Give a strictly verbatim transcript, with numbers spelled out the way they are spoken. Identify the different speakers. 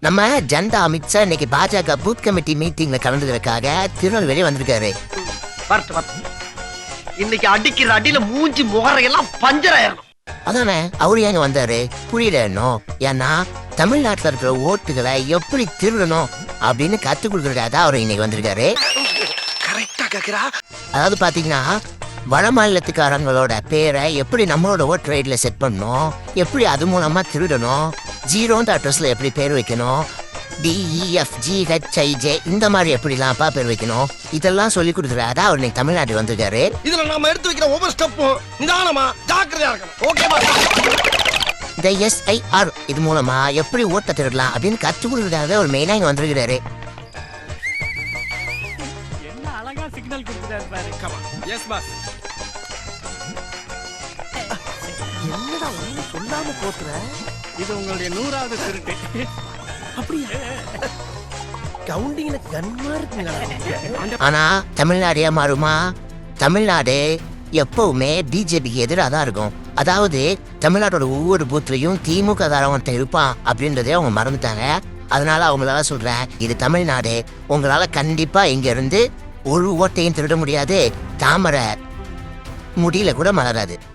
Speaker 1: நம்ம ஜனதா அமித்ஷா இன்னைக்கு பாஜக பூத் கமிட்டி மீட்டிங்ல கலந்துக்கிறதுக்காக திருநெல்வேலி வந்திருக்காரு.
Speaker 2: வரட்டு வரட்டு. இன்னைக்கு அடிக்கிற அடியில மூஞ்சி முகரையெல்லாம் பஞ்சர் ஆயிரும்.
Speaker 1: அதானே அவரு ஏங்க வந்தாரு புரியல இன்னும். ஏன்னா தமிழ்நாட்டுல இருக்கிற ஓட்டுகளை எப்படி திருடணும் அப்படின்னு கத்து கொடுக்கறதா அவரு இன்னைக்கு வந்திருக்காரு.
Speaker 2: கரெக்டா கேக்குறா.
Speaker 1: அதாவது பாத்தீங்கன்னா வட மாநிலத்துக்காரங்களோட பேரை எப்படி நம்மளோட ஓட் ரைட்ல செட் பண்ணணும், எப்படி அது மூலமா திருடணும், ஜீரோன்ற அட்ரஸ்ல எப்படி பேர் வைக்கணும், டிஇஎஃப் ஜிஹெச்ஐஜே இந்த மாதிரி எப்படிலாம்ப்பா பேர் வைக்கணும், இதெல்லாம் சொல்லி கொடுக்குறாரு அவர் இன்னைக்கு தமிழ்நாட்டுக்கு வந்திருக்காரு.
Speaker 2: இதுல நாம எடுத்து வைக்கிற ஒவ்வொரு ஸ்டெப்பும் நிதானமா ஜாக்கிரதையா இருக்கணும். ஓகேவா?
Speaker 1: இந்த எஸ்ஐஆர் இது மூலமா எப்படி ஓட்ட திருடலாம் அப்படின்னு கத்து கொடுக்குறதுக்காக ஒரு மெயினா இங்க வந்திருக்கிறாரு.
Speaker 3: என்ன அழகா சிக்னல் கொடுத்துட்டாரு பாரு.
Speaker 2: Yes boss. என்னடா ஒண்ணு சொல்லாம போத்துற?
Speaker 3: இது உங்களுடைய நூறாவது திருட்டு.
Speaker 2: அப்படியா? கவுண்டிங்ல கன்மா இருக்குங்க.
Speaker 1: ஆனா தமிழ்நாடு மாறுமா? தமிழ்நாடு எப்பவுமே பிஜேபிக்கு எதிராக தான் இருக்கும். அதாவது தமிழ்நாட்டோட ஒவ்வொரு பூத்லையும் திமுக தாரவன் இருப்பான் அப்படின்றதே அவங்க மறந்துட்டாங்க. அதனால அவங்களால சொல்றேன், இது தமிழ்நாடு, உங்களால கண்டிப்பா இங்க இருந்து ஒரு ஓட்டையும் திருட முடியாது, தாமரை முடியல கூட மலராது.